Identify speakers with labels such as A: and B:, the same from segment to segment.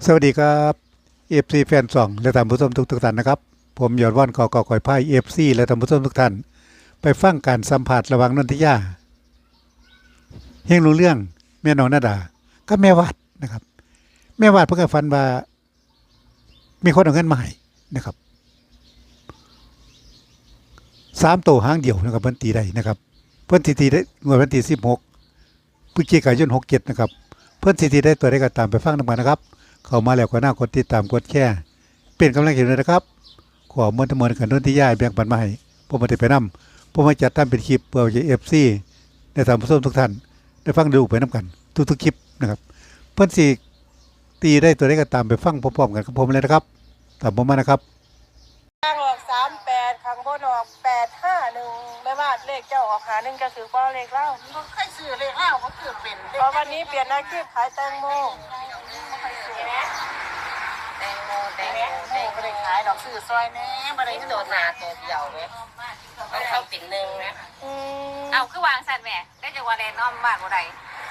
A: สวัสดีครับเอฟซีแฟนซองและท่านผู้ชมทุกท่านนะครับผมยอดว่านกอกอยพายเอฟซีและท่านผู้ชมทุกท่านไปฟังการสัมผัสระหว่างนนทิยาเฮงรู้เรื่องแม่น้องนาดาก็แม่วาดนะครับแม่วาดเพิ่งก็ฝันว่ามีคนเอาเงินมาให้นะครับ3 ตัวหางเดียวนะครับเพิ่นตีได้นะครับเพิ่นสิตีได้งวดวันที่16พฤศจิกายน67นะครับเพิ่นสิตีได้ตัวใดก็ตามไปฟังนำกันนะครับเข้ามาแล้วก็น่ากดติดตามกดแชร์เป็นกำลังใจด้วยนะครับขอมวลทั้งมวลกันนนที่ย่ายแบ่งปันมาให้ผมมาได้ไปนำผมมาจัดทำเป็นคลิปเพื่อให้FCได้ท่านผู้ชมทุกท่านได้ฟังดูไปนำกันทุกๆคลิปนะครับเพิ่นสิตีได้ตัวใดก็ตามไปฟังพร้อมๆกันกับผมเลยนะครับตามผมมานะครับ
B: ข้างออก38ข้างบนออก851ไม่ว่าเลขเจ้าออก1จะถือว่าเลขเล่า
C: มันเคยซื้อเลขเล่าก็คือเป็น
B: เพราะวันนี้เปลี่ยนอาชีพขายแตงโม
C: แตงโมไม่ได้ขายดอกซื้อซอยแน่ไม่ได้โดดหนาตัวเดียวเลยมันเข้าปิ่นหนึ่งนะ
D: เอาคือวางสัตว์แม่ได้จากว่าแรนอมบ้านบ่ได้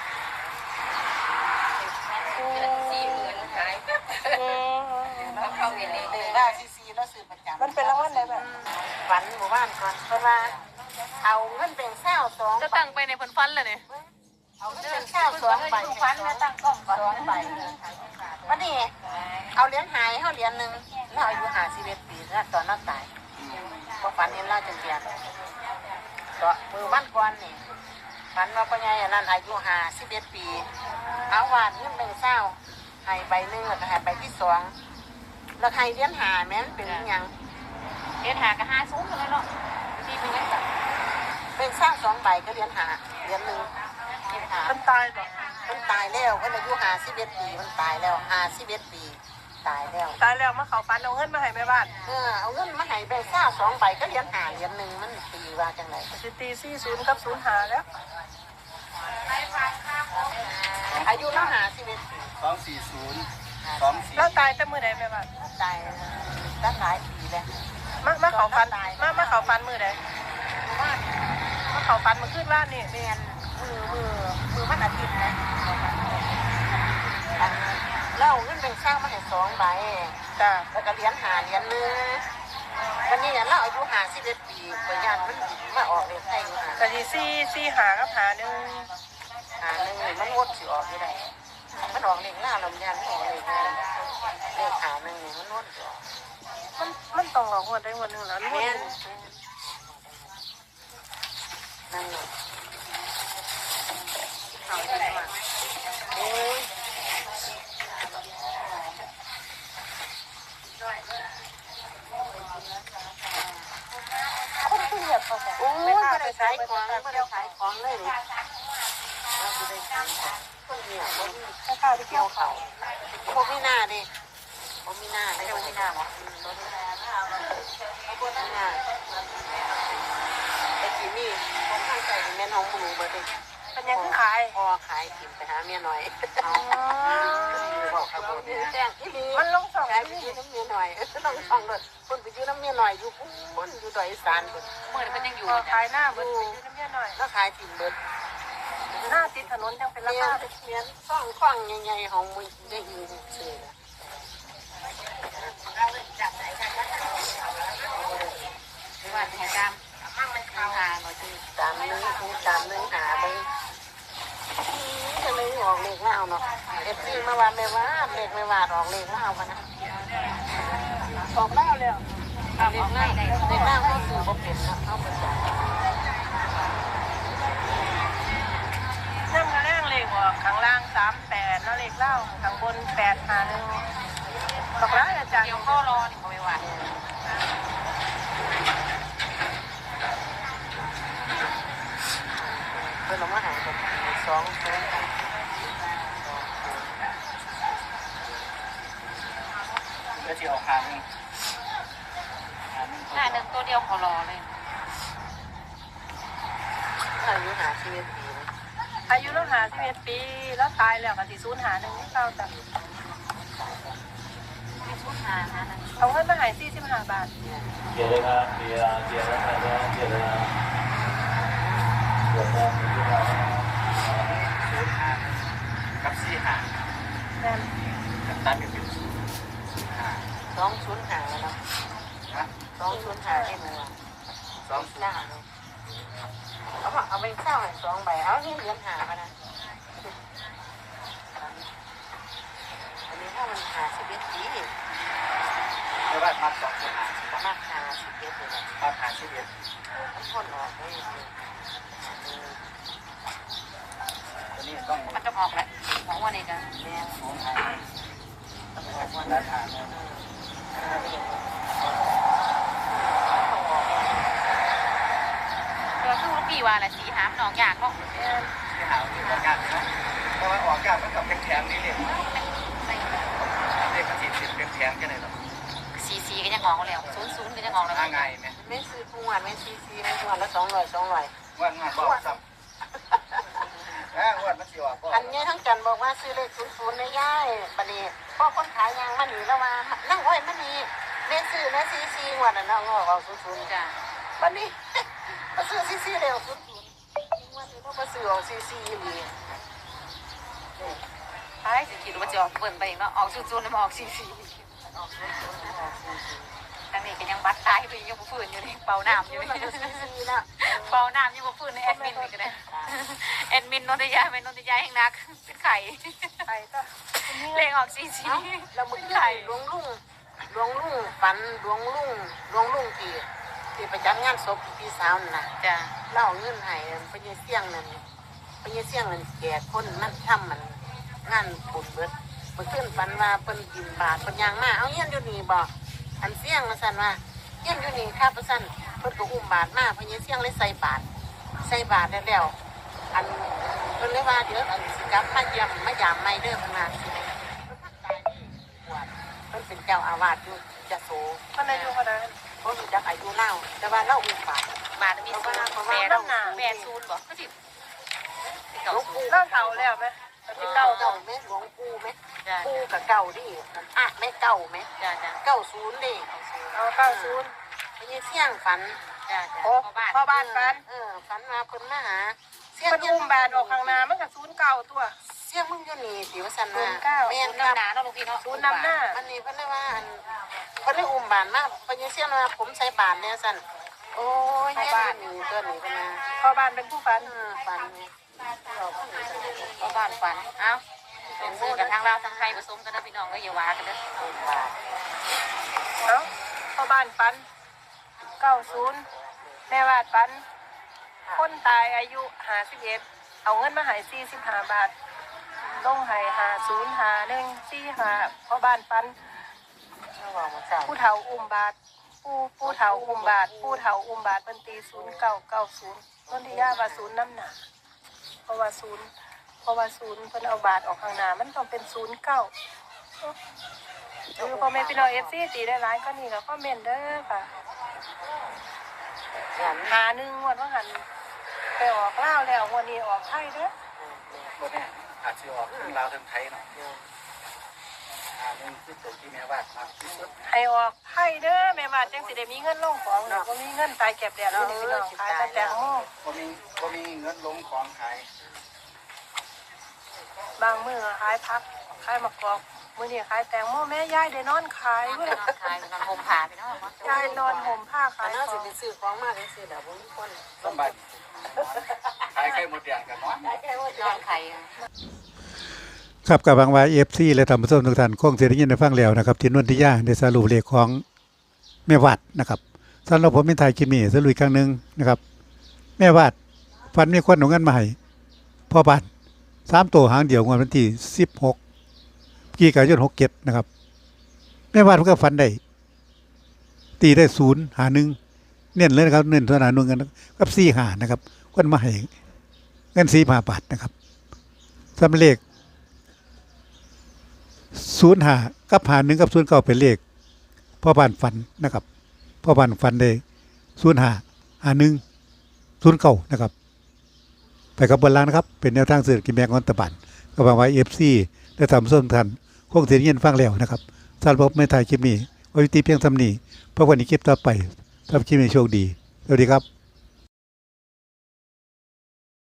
C: 4 หมื่นขายแล้วเข้าปิ่นหนึ่งได้ซีแล้วซื้อประจำ
B: มันเป็นรางวัลอะไรแบบ
C: ฝันหมู่บ้านก่อนเพราะว่าเอาเงินเป็นแซว2
D: จะตั้งไปในผลฟันเลยเนี่ย
C: เอาเงินเป็นแซว2ใบฝันแล้วตั้งกล้อง2ใบวันนี้เอาเหรียญหายเขาเหรียญหนึ่งแล้วอายุ51 ปีแล้วตอนนั้นตายพอฝันเห็นล่าจังเกียนก็มือวันก่อนนี่ฝันว่าพ่อใหญ่นั่นอายุ51 ปีเอาวาดเงินเป็นแซวให้ใบหนึ่งแล้วก็ให้ใบที่2แล้วให้เหรียญหาแม่นเป็นยัง
D: เรียนหากะ50กันเลยเนาะที่เป็นจังซั่น
C: เป็นสร้าง2 ใบก็เหรียญหาเหรียญหนึ่งเหรียญหา
B: มันตายบ่
C: มันตายแล้วมันอายุ51 ปีมันตายแล้ว51 ปีตายแล้ว
B: มาเขาฟันเอาเงินมาให้แม่บ้าน
C: เอาเงินมาให้เป็นสร้าง2 ใบก็เหรียญหาเหรียญหนึ่งมันตีว่าจังไร
B: สิตี40กับ05แล้ว
C: อายุน้อง51 ปี
E: 240
B: แล้วตายแต่มื้อใดแม่บ้าน
C: ตายตั้งหลายปีแล้ว
B: มาเขาฟันมาเขาฟันมื้อใด
C: ว่า
B: มาเขาฟันมื้อคืนว่านนี่
C: เรียนมือวันอาทิตย์นะแล้วเงินเป็นสร้างมาให้2 ใบ
B: จ้า
C: แล้วก็เหรียญหาเหรียญหนึ่งวันนี้เราอายุ51 ปีปัญญามันมาออกเลยใช่ไหม
B: ก็สิ4หากับหา1
C: หาหนึ่งมันงดสิออกไม่ได้มันออกเลขหน้าลำยันออกเลขหาหนึ่งมันงดสิออก
B: มันต้องออกงวดได้งวดนึงแล้ว
C: แม่นนั่นแหละเอาไปมาเอ้ย
B: คนที่เหยียบเขาโอ้
C: ไม่ได้ขายของไม่ได้ขายของเลยเราไม่ได้ขายคนเดียวบ่มี
B: ให้ข้าวไปเกี่ยวเขา
C: บ่มีหน้าดิบ่มีหน้าไม่ได้บ่มีหน้าหรอบ่มีหน้าไอ้ที่นี่ผมทางใจแม่น้องมือเบิดเลย
B: เป็นยังขาย
C: พอขายกินไปหาเมียหน่อยบอกครับผมแจ้งที่นี่
B: มันลงสอง
C: ขายไปยืมน้ำเมียหน่อยต้องช่องเลยคนไปยืมน้ำเมียหน่อยอยู่พุ่นอยู่ดอยอีสานพุ่น
D: มื้อนี้มันยังอยู่
B: ขายหน้าเบิดไปยืมน้ำเมียหน่อย
C: แล้วขายถิ่นเบิด
B: หน้าติดถนนยังเป็นราคา
C: เมียซ่องคว้างใหญ่ๆของมึงได้ยินเสีย
D: ว่าให้ตามหาหน่อยสิ
C: ตามนึงหาไปจะเลยออกเลขแล้วเนาะเอฟซีมาว่าไม่ว่าเลขไม่ว่าออกเลขแล้วกันนะ
B: ออกแล้ว
C: เลขแล้วก็คือบ่เป็นนะเข้าไปจ้ะ
B: นั่งมาแรงเลขออกข้างล่าง38แล้วเลขเล่าข้างบน851บอกแล้วอาจารย์
D: เดี๋ยวข้อรอนี่ก็ไม่ว่า
C: เพิ่นเอามาหาแบบ2เพิ่น
E: ก็จะเอาหาง
D: 1ตัวเดียวขอรอเลย
C: อายุ51 ปี
B: อายุแล้ว51 ปีแล้วตายแล้วก็สิ051นี่เล่าจ้ะเอาเงินมาให้45 บาท
E: เดี๋ยวเลยครับเดี๋ยวนะครับเดี๋ยวกับ4 หาง
B: แม่น
E: ตัดเป็นห้า
C: 205แล้วเนาะ
E: ฮะ
C: 205ได้หนูอ่ะ
E: 20
C: เอาไปเศร้าให้2ใบเอานี่เหรียญหามานะอันนี้ถ้ามัน51ปี
E: ไม่ว่ามา2.5
C: ประมาณ51เลยนะ
E: มาผ่าน11
C: มันพ่นออกได้
E: ตัวนี้ต้อง
D: มันจะออกแล้วของวันนี้กัน
C: แม่
E: สูงหาต้องออกมาด้านหางเนี่ย
D: เออคือลูกพี่ว่าแหละสีหามหนองอยากเนาะ
E: ที่หาที่ออกยากเนาะเพราะว่าออกยากมันกับแข็งๆนี่เลยเด็กมันสิเป็นแข็งแค่ไหนหรอ
D: สีก็ยังงองแล้ว00ก็ยังงองแล้ว
E: ง่ายไหม
C: ไม่ซื้อทุกวันไม่ซีไม่ทุกวันละ200
E: ว่างานบอกซ้ำวันมันสิออก
C: อันนี้ทั้งจันบอกว่าซื้อเลข00ในย่ายบัดนี้พ่อคนขายยางมันหนีแล้วว่านั่งอ้อยมันนี่แม่ซื้อแม่ซีวันน่ะน้องเอา00
D: จ้ะ
C: บัดนี้มาซื้อซีเร็ว00วันนี้มาซื้อเอาซีอีหลี
D: ไอ้สิคิดว่าจะออกเบิ่นไปอีกเนาะออก00แล้วมาออก44ทางนี้ก็ยังบัดตายไปยังบ่ฟื้นอยู่นี่เป่าน้ำอยู่นี่
C: ซีละ
D: เป่าน้ำยังบ่ฟื้นในแอดมินนี่ก็ได้แอดมินนนทยาเป็นนนทยาแห่งนักเป็นไข่
C: ไปก็
D: เลขออก44
C: เราบุกไข่หลวงลุงฝันหลวงลุงที่ไปจัดงานศพพี่สาวน่ะ
D: จ้ะ
C: เล่าเงินให้พญเสี่ยงนั่นแก่คนมันทำมันงานบุญเบิดเพิ่นขึ้นฝันว่าเพิ่นกินบาทเพิ่นย่างมาเอาเงี้ยอยู่นี่บ่อันเสี่ยงว่าซั่นว่าเงี้ยอยู่นี่ครับว่าซั่นเพิ่นก็อุ้มบาทมาพญเสี่ยงเลยใส่บาทแล้วอันเพิ่นเลยว่าเดี๋ยวอันสิกลับมาเยี่ยมมายามใหม่เด้อเพิ่นว่าสิเพิ่นเป็นเจ้าอาวาสอยู่ยโส
B: ท่านอายุเท่าไหร่
C: เพิ่นรู้จักอายุเล่าแต่ว่าเล่าอุ้มบาท
D: บาทมี0 80บ่คือสิ
C: หลวงปู่
B: เล่าเท่าแล้วไหมที่เก้า
C: เก่าไหมหลวงปู่ไหม
D: จ้ะ
C: ปู่กับเก่าดิอ่ะแม่เก่าไหม
D: จ้ะจ้ะ
C: 90ดิ
B: เอา90
C: ไปยี่เสี่ยงฝัน
D: จ้ะจ้ะ
B: โอ้พ่อบ้านฝัน
C: ฝันมาเพิ่นมาหาเสี่ยง
B: เพิ่นอุ้มบาทออกข้างหน้ามันก็09ตัว
C: เสี่ยงมึงอยู่นี่สิว่าซั่นว่า
B: 09
C: แม่น
D: ศูนย์
C: ครับ
D: นำหนาเนาะลูกพี่เนาะ
B: ศูนย์นำหน้า
C: อันนี้เพิ่นเลยว่าอันเพิ่นเลยอุ้มบาทมาไปยี่เสี่ยงว่าผมใส่บาทเนี่ยซั่นโอ้ยเนี่ยนี่ตัวนี้เพิ่นมา
B: พ่อบ้านเป็นผู้ฝัน
C: ฝันนี่
D: พ่อบ้านฝันเอ้าเป็นซื้อกับทางลาวทางไทยผสมกันนะพี่น้องก็อย่าว่ากันเด้อ
C: บาท
B: เอ้าพ่อบ้านฝัน90แม่วาดฝันคนตายอายุ51เอาเงินมาให้45 บาทลงให้505145พ่อบ้านฝัน
C: เขาบอกว่าเจ้า
B: ผู้เฒ่าอุ้มบาทผู้เฒ่าอุ้มบาทผู้เฒ่าอุ้มบาทเป็นตี0990ต้นที่ย่าว่า0น้ำหนาเพราะว่า0เพิ่นเอาบาทออกข้างหน้ามันต้องเป็น09คือพ่อแม่พี่น้อง FC ตีได้หลายก็นี่ก็คอมเมนต์เด้อค่ะหา1งวดว่าหันไปออกลาวแล้วงวดนี้ออกไทยเด้อ
E: ตัวนี้อาจจะออกทั้งลาวทั้งไทยเนาะนึงคือตัวที่แม่วาดมากที่สุด
B: ให้ออกไทยเด้อแม่บาทจังสิได้มีเงินลงของเนาะบ่มีเงินตายแก็บแดดนี่พี่น้องขายแต่แตงโม
E: ก็มีเงินลงของขาย
B: บางมื้อขายผักขายมะกอกมื้อนี้ขายแตงโมแม่ยายได้นอนขาย
D: น
B: เว้ย
D: อนขายนอนห่มผ้าพี่น้อง
B: ยายนอนห่มผ้า
C: อั
B: ขาน ย
C: นั้น
B: ข
C: สิ
B: อง
C: ไปซื้อของมาจังซี่ดอกบ่มีคน
E: สบายขายไข่หมดแดงกันเนาะ
D: นอนไข่
A: ครับกับบางวายFC และท่านผู้ชมทุกท่านคงสิได้ยินได้ฟังแล้วนะครับที่นนทิยาได้สรุปเลขของแม่วาดนะครับสำหรับผมเป็นไทยคลิปนี้สรุปอีกครั้งหนึงนะครับ แม่วาดฝันมีคนเอาเงินมาให้พ่อบ้าน3ตัวหางเดียวงวดวันที่16พฤศจิกายน67นะครับแม่วาดเพิ่นก็ฝันได้ตีได้0หา1เน้นเลยนะครับเน้นตัวหา1กันกับ4หานะครับคนมาให้เงิน4บาทนะครับสำหรับเลข05กับ51กับ09เป็นเลขพ่อบ้านฝันนะครับพ่อบ้านฝันได้05 51 09นะครับไปกับบนล่างนะครับเป็นแนวทางเศรษฐกิจแบ่งของรัฐบาลก็หวังว่า FC ได้ทำส้มทันคงสิได้ยินฟังแล้วนะครับสำหรับไม่ถ่ายคลิปนี้ไว้ที่เพียงเท่านี้เพราะวันนี้คลิปต่อไปทำคลิปนี้โชคดีสวัสดีครับ